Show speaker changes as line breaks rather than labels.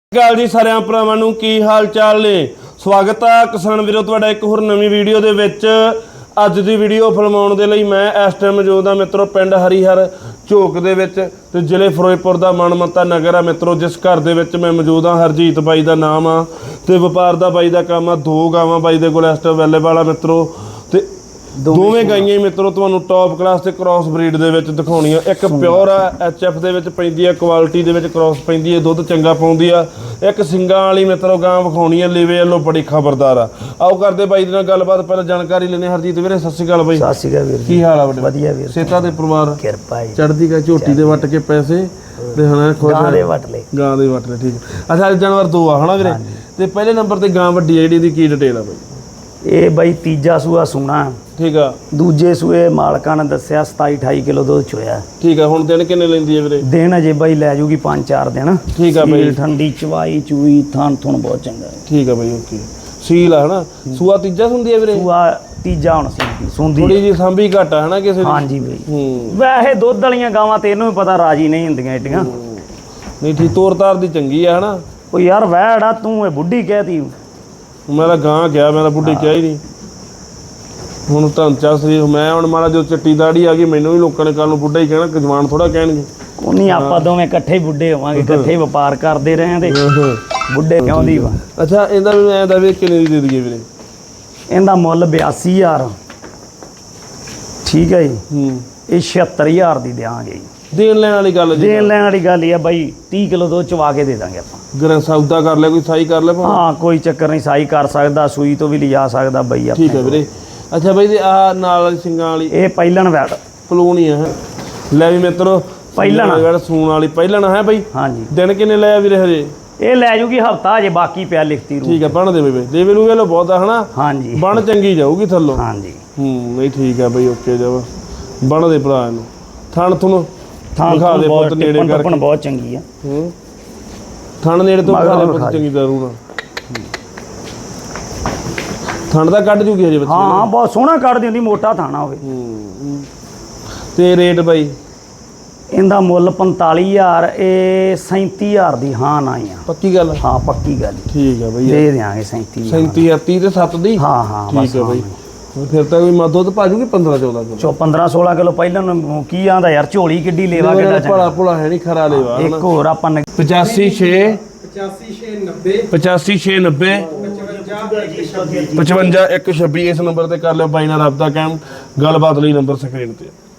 ਗੱਲ जी सारे भरावां नूं की हाल चाल ने। स्वागत है किसान वीरों तुहाडा एक होर नवीं वीडियो दे विच। अज दी वीडियो फिल्माउण दे लई मैं इस टाइम मौजूद हाँ मित्रों पिंड हरीहर झोक दे विच ते जिले फिरोजपुर दा मनमत्ता नगर है मित्रों। जिस घर दे विच मैं मौजूद हाँ हरजीत बाई दा नाम आ ते वपार दा बाई दा काम आ। दो गावां बाई दे कोल इस टाइम अवेलेबल आ मित्रों ते दोवें गाइयां मित्रों तुहानूं टॉप क्लास ते क्रॉस ब्रीड दे विच दिखाउणीआं। एक प्योर आ HF दे विच पैंदी आ, क्वालिटी दे विच क्रॉस पैंदी है, दुध चंगा पाउंदी आ। एक सिंगां वाली मित्रों गां विखाउणी आ, लेवे वालों बड़ी खबरदार आ। आओ करदे बाई दे नाल गलबात, पहले जानकारी लेने। हरजीत वीरे सत श्री अकाल बाई।
सत श्री अकाल वीर,
की हाल आ बड़े?
वधिया वीर,
सेता दे परिवार
किरपा है,
चढ़दी का झोटी दे वट के पैसे ते हना
गां दे वट ले,
गां दे वट ले। ठीक है। अच्छा जानवर दो आ हना वीरे ते पहले नंबर ते गां वड्डी आ जिहड़ी दी की डिटेल आ बाई?
ये बई तीजा सूआ सूना।
ठीक है।
दूजे सूए मालकां ने दस्सिया 27-28 किलो दुध चोया।
ठीक है। हुण दिन किन्ने लैंदी है वीरे?
दिन अजे बई लै जूगी 5-4 दिन।
ठीक है बई।
ठंडी चवाई चूई थान थुन बहुत चंगा है।
ठीक है बई। ओके। सील है ना? सूआ तीजा सुंदी है वीरे? सूआ
तीजा हुण सुंदी
थोड़ी जी सांभी घट है ना किसी दी?
हां जी बई। वैसे दुध वालियां गावां ते इहनूं भी पता राजी नहीं हुंदियां एडियां।
नहीं ठीक, तोर तार दी चंगी है ना?
ओ यार वैड़ा तू ए बुढ़ी कहती,
मैं तो गां गया, मैं तो बुढ़ी क्या ही नहीं। ਹੁਣ ਢਾਂਚਾ ਸਰੀਰ ਮੈਂ ਹੁਣ ਮਾਰਾ ਜੋ ਚਿੱਟੀ ਦਾੜੀ ਆ ਗਈ ਮੈਨੂੰ ਵੀ ਲੋਕਾਂ ਨੇ ਕੱਲ ਨੂੰ ਬੁੱਢਾ ਹੀ ਕਹਿਣਾ, ਜਵਾਨ ਥੋੜਾ ਕਹਿਣਗੇ।
ਕੋਈ ਨਹੀਂ ਆਪਾਂ ਦੋਵੇਂ ਇਕੱਠੇ ਹੀ ਬੁੱਢੇ ਹੋਵਾਂਗੇ, ਇਕੱਠੇ ਵਪਾਰ ਕਰਦੇ ਰਹੇ ਤੇ ਬੁੱਢੇ ਕਿਉਂ ਦੀ ਵਾ।
ਅੱਛਾ ਇਹਦਾ ਵੀ ਐਂ ਦਾ ਵੀ ਕਿੰਨੇ ਦੀ ਦੇ ਦਈਏ ਵੀਰੇ?
ਇਹਦਾ ਮੁੱਲ 82,000। ਠੀਕ ਹੈ ਜੀ। ਇਹ 76,000 ਦੀ ਦੇਵਾਂਗੇ ਜੀ। ਦੇਣ ਲੈਣ ਵਾਲੀ ਗੱਲ ਜੀ, ਦੇਣ ਲੈਣ ਵਾਲੀ ਗੱਲ ਹੀ ਆ ਬਾਈ। 30 ਕਿਲੋ ਦੁੱਧ ਚਵਾ ਕੇ ਦੇ ਦਾਂਗੇ ਆਪਾਂ।
ਗਰਾਂ ਸੌਦਾ ਕਰ ਲਿਆ, ਕੋਈ ਸਾਈ ਕਰ ਲਿਆ?
ਹਾਂ ਕੋਈ ਚੱਕਰ ਨਹੀਂ, ਸਾਈ ਕਰ ਸਕਦਾ, ਸੂਈ ਤੋਂ ਵੀ ਲਿਜਾ ਸਕਦਾ ਬਾਈ ਆਪਾਂ।
ਠੀਕ ਹੈ ਵੀਰੇ। ਅੱਛਾ ਬਾਈ ਆ ਨਾਲ ਵਾਲੀ ਸਿੰਘਾਂ ਵਾਲੀ
ਇਹ ਪਹਿਲਣ ਵੈੜ
ਪਲੂਣੀ ਆ। ਲੈ ਵੀ ਮਿੱਤਰੋ
ਪਹਿਲਣ
ਵੈੜ ਸੂਣ ਵਾਲੀ ਪਹਿਲਣ ਹੈ ਬਾਈ।
ਹਾਂਜੀ।
ਦਿਨ ਕਿੰਨੇ ਲਿਆ ਵੀਰੇ ਹਜੇ?
ਇਹ ਲੈ ਜੂਗੀ ਹਫਤਾ ਹਜੇ, ਬਾਕੀ ਪਿਆ ਲਿਖਤੀ ਰੂ।
ਠੀਕ ਹੈ। ਬਣ ਦੇਵੇ ਬਈ, ਦੇਵੇ ਲੂਗੇ ਲੋ ਬਹੁਤ ਆ ਹਨਾ?
ਹਾਂਜੀ।
ਬਣ ਚੰਗੀ ਜਾਊਗੀ ਥੱਲੋਂ।
ਹਾਂਜੀ।
ਨਹੀਂ ਠੀਕ ਹੈ ਬਈ। ਓਕੇ ਜਾਵਾ ਬਣ ਦੇ ਭਰਾ ਇਹਨੂੰ। ਥਣ ਤੁਹਾਨੂੰ ਦਿਖਾ ਦੇ ਬਹੁਤ ਨੇੜੇ ਕਰਕੇ,
ਬਹੁਤ ਚੰਗੀ ਆ।
ਥਣ ਨੇੜੇ ਤੋਂ ਦਿਖਾ ਦੇ ਬਹੁਤ ਚੰਗੀ ਦਾਰੂ ਨਾਲ। ਥਣ ਦਾ ਕੱਢ ਜੂਗੀ ਹਜੇ ਬੱਚੇ?
ਹਾਂ ਬਹੁਤ ਸੋਹਣਾ ਕੱਢਦੀ ਹੁੰਦੀ, ਮੋਟਾ ਥਾਣਾ ਹੋਵੇ।
ਤੇ ਰੇਟ ਬਾਈ
ਇਹਦਾ ਮੁੱਲ 45,000, ਇਹ 37,000 ਦੀ ਹਾਂ ਨਾ ਆ।
ਪੱਕੀ ਗੱਲ? ਹਾਂ
ਪੱਕੀ ਗੱਲ।
ਠੀਕ ਹੈ ਬਈ,
ਦੇ ਦਿਆਂਗੇ 37,000।
37,000 30 ਤੇ 7 ਦੀ।
ਹਾਂ ਹਾਂ
ਠੀਕ ਹੈ ਬਈ। ਫਿਰ ਤਾਂ ਕੋਈ ਦੁੱਧ ਪਾ ਜੂਗੀ 15-14 ਕਿਲੋ।
15-16 ਕਿਲੋ ਪਹਿਲਾਂ ਨੂੰ ਕੀ ਆਂਦਾ ਯਾਰ, ਝੋਲੀ ਕਿੱਡੀ ਲੈਵਾ ਕਿੱਡਾ ਚੰਗਾ।
ਭਲਾ ਭੁਲਾ ਹੈ ਨਹੀਂ, ਖਰਾ ਲੈਵਾ।
ਇੱਕ ਹੋਰ ਆਪਾਂ
85 690 55 126 ਇਸ ਨੰਬਰ ਤੇ ਕਰ ਲਿਓ ਬਾਈ ਨਾਲ ਰਾਬਤਾ ਕਾਇਮ। ਗੱਲਬਾਤ ਲਈ ਨੰਬਰ ਸਕਰੀਨ ਤੇ।